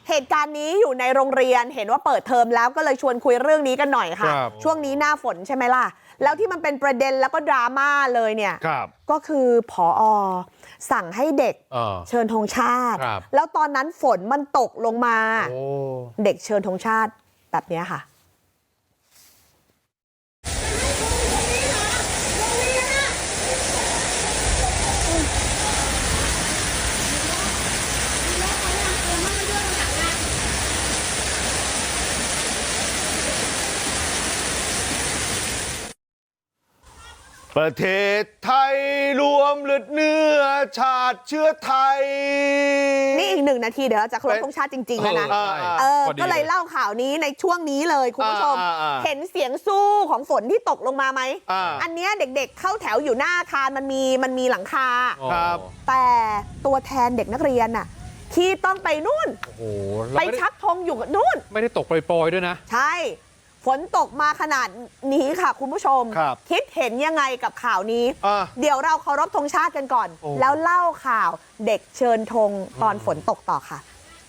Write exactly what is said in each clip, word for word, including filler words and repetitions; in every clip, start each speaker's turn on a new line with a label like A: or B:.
A: เหตุการณ์นี้อยู่ในโรงเรียนเห็นว่าเปิดเทอมแล้วก็เลยชวนคุยเรื่องนี้กันหน่อยค่ะช่วงนี้หน้าฝนใช่ไหมล่ะแล้วที่มันเป็นประเด็นแล้วก็ดราม่าเลยเนี่ยก็คือผอ.สั่งให้เด็กเชิญธงชาติแล้วตอนนั้นฝนมันตกลงมาเด็กเชิญธงชาติแบบนี้ค่ะ
B: ประเทศไทยรวมเลือดเนื้อชาติเชื้อไทย
A: นี่อีกหนึ่งนาทีเดี๋ยวเราจะเคารพธงชาติจริงๆแล้วนะเออก็เลยเล่าข่าวนี้ในช่วงนี้เลยคุณผู้ชมเห็นเสียงสู้ของฝนที่ตกลงมาไหมอันนี้เด็กๆเข้าแถวอยู่หน้าอาคารมันมีมันมีหลังคาแต่ตัวแทนเด็กนักเรียนน่ะที่ต้องไปนู่นไปชักธงอยู่นู่น
C: ไม่ได้ตกปล่อยๆด้วยนะ
A: ใช่ฝนตกมาขนาดนี้ค่ะคุณผู้ชมคิดเห็นยังไงกับข่าวนี้เดี๋ยวเราเคารพธงชาติกันก่อนแล้วเล่าข่าวเด็กเชิญธงตอนฝนตกต่อค่ะ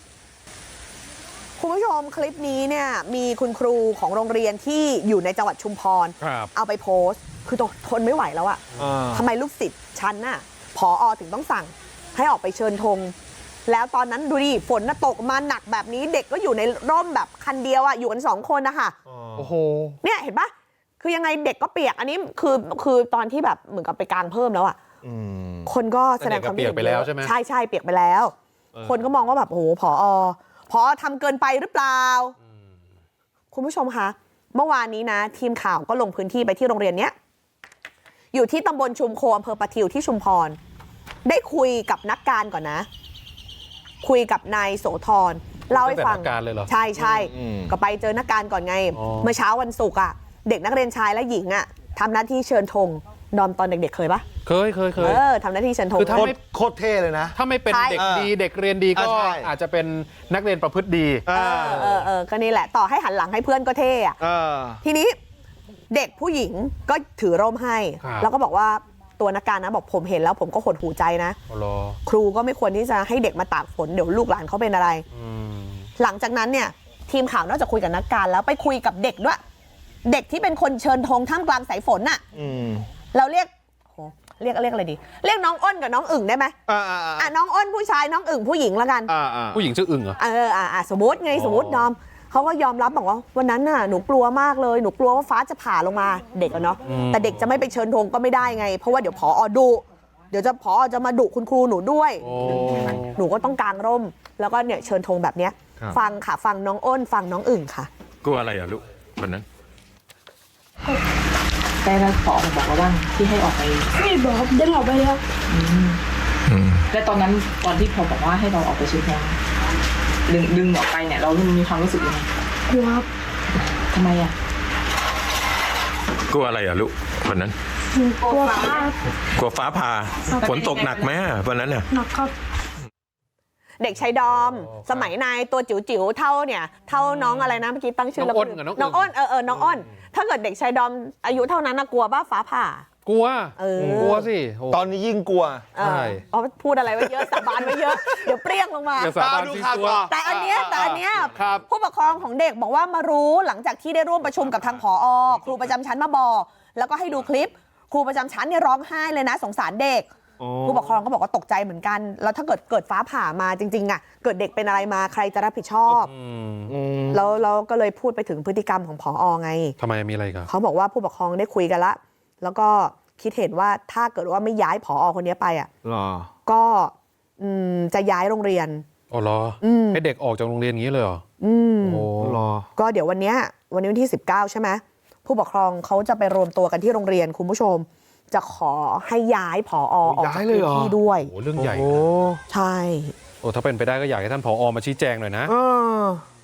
A: คุณผู้ชมคลิปนี้เนี่ยมีคุณครูของโรงเรียนที่อยู่ในจังหวัดชุมพรเอาไปโพสต์คือทนไม่ไหวแล้วอะทำไมลูกศิษย์ชั้นน่ะผอ.ถึงต้องสั่งให้ออกไปเชิญธงแล้วตอนนั้นดูดิฝนน่ะตกมาหนักแบบนี้เด็กก็อยู่ในร่มแบบคันเดียวอ่ะอยู่กันสองคนนะคะ
C: โอ้โห
A: เนี่ยเห็นปะคือยังไงเด็กก็เปียกอันนี้คือคือตอนที่แบบเหมือนกับไปกางเพิ่มแล้วอ่ะคนก็แสดงความ
C: เปียกไปแล้วใช่ไหม
A: ใช่ใช่เปียกไปแล้วคนก็มองว่าแบบโอ้โหผอ.ผอ.ทำเกินไปหรือเปล่าคุณผู้ชมคะเมื่อวานนี้นะทีมข่าวก็ลงพื้นที่ไปที่โรงเรียนเนี้ยอยู่ที่ตำบลชุมโคอำเภอปะทิวที่ชุมพรได้คุยกับนักการก่อนนะคุยกับนายโสธรเล่าให้ฟังใช่ใช่ก็ไปเจอนักการก่อนไงเมื่อเช้าวันศุกร์อ่ะเด็กนักเรียนชายและหญิงอ่ะทำหน้าที่เชิญธงนอมตอนเด็กๆเคยปะ
C: เคยเคยเคย
A: เออทำหน้าที่เชิญธง
B: คือถ้าไม่โคตรเท่เลยนะ
C: ถ้าไม่เป็นเด็กดีเด็กเรียนดีก็อาจจะเป็นนักเรียนประพฤติดี
A: เออเออเออก็นี่แหละต่อให้หันหลังให้เพื่อนก็เท่อะทีนี้เด็กผู้หญิงก็ถือร่มให้แล้วก็บอกว่าตัวนักการนะบอกผมเห็นแล้วผมก็หดหูใจนะครูก็ไม่ควรที่จะให้เด็กมาตากฝนเดี๋ยวลูกหลานเขาเป็นอะไรหลังจากนั้นเนี่ยทีมข่าวนอกจากคุยกับนักการแล้วไปคุยกับเด็กด้วยเด็กที่เป็นคนเชิญธงท่ามกลางสายฝนน่ะเราเรียกเรียกเรียกอะไรดีเรียกน้องอ้นกับน้องอึ่งได้ไหมอ่าน้องอ้นผู้ชายน้องอึ่งผู้หญิงแล้วกัน
C: ผู้หญิงชื่ออึ่งเหรอ
A: เอออ่าสมมติไงสมมติน้อมเขาก็ยอมรับบอกว่าวันนั้นน่ะหนูกลัวมากเลยหนูกลัวว่าฟ้าจะผ่าลงมาเด็กอะเนาะแต่เด็กจะไม่ไปเชิญธงก็ไม่ได้ไงเพราะว่าเดี๋ยวผอ.ดุเดี๋ยวจะผอ.จะมาดุคุณครูหนูด้วยหนูก็ต้องกางร่มแล้วก็เนี่ยเชิญธงแบบเนี้ยฟังค่ะฟังน้องอ้นฟังน้องอึ่งค่ะ
D: กลัวอะไรอ่ะลูกวันนั้น
E: ได้แล้วผอ.บอกเราบ้างที่ให้ออกไป
F: ไม่บอกได้ออกไปแล้ว
E: แล้วตอนนั้นตอนที่พอบอกว่าให้เราออกไปเชิญธงดึงดึงออกไปเนี่ยเรามีความรู้สึกยังไง
F: กลัวครับ
E: ทำไมอ่ะ
D: กลัวอะไรอ่ะลูกวันนั้น
F: กลัวฟ้
D: ากลัวฟ้าผ่าฝนตกหนักไหมวันนั้นเนี่ย
F: หนักครับ
A: เด็กชายดอมสมัยนายตัวจิ๋วจิ๋วเท่าเนี่ยเท่าน้องอะไรนะเมื่อกี้ตั้งชื่อแล้วน้องอ้นเออเออน้องอ้นถ้าเกิดเด็กชายดอมอายุเท่านั้นนะกลัวบ้าฟ้าผ่าก
C: ลัวกลัวสิ
B: ตอนนี้ยิ่งกลัว
A: ใช่อ๋อพูดอะไรไว้เยอะสาบานไว้เยอะเดี๋ยวเปรี้ยงลงมา
C: ดูข่าว
A: แต่อันเนี้ยแต่อันเนี้ยผู้ปกครองของเด็กบอกว่ามารู้หลังจากที่ได้ร่วมประชุมกับทางผอ.ครูประจำชั้นมาบอกแล้วก็ให้ดูคลิปครูประจำชั้นเนี่ยร้องไห้เลยนะสงสารเด็กผู้ปกครองก็บอกว่าตกใจเหมือนกันแล้วถ้าเกิดเกิดฟ้าผ่ามาจริงๆอ่ะเกิดเด็กเป็นอะไรมาใครจะรับผิดชอบแล้วเราก็เลยพูดไปถึงพฤติกรรมของผอ.ไง
C: ทำไมมีอะไรกัน
A: เขาบอกว่าผู้ปกครองได้คุยกันละแล้วก็คิดเห็นว่าถ้าเกิดว่าไม่ย้ายผอ.คนนี้ไปอ่ะก็จะย้ายโรงเรียน
C: อ๋อเหรอให้เด็กออกจากโรงเรียนอย่างนี้เลยเหรอ
A: อืม
C: โอ้เหรอ
A: ก็เดี๋ยววันนี้วันนี้วันที่สิบเก้าใช่ไหมผู้ปกครองเขาจะไปรวมตัวกันที่โรงเรียนคุณผู้ชมจะขอให้ย้ายผอ.ออกจากพื้นที่ด้วย
C: โอ้เรื่องใหญ่
A: ใช่
C: โอ้ถ้าเป็นไปได้ก็อยากให้ท่านผอ.มาชี้แจงหน่อยนะ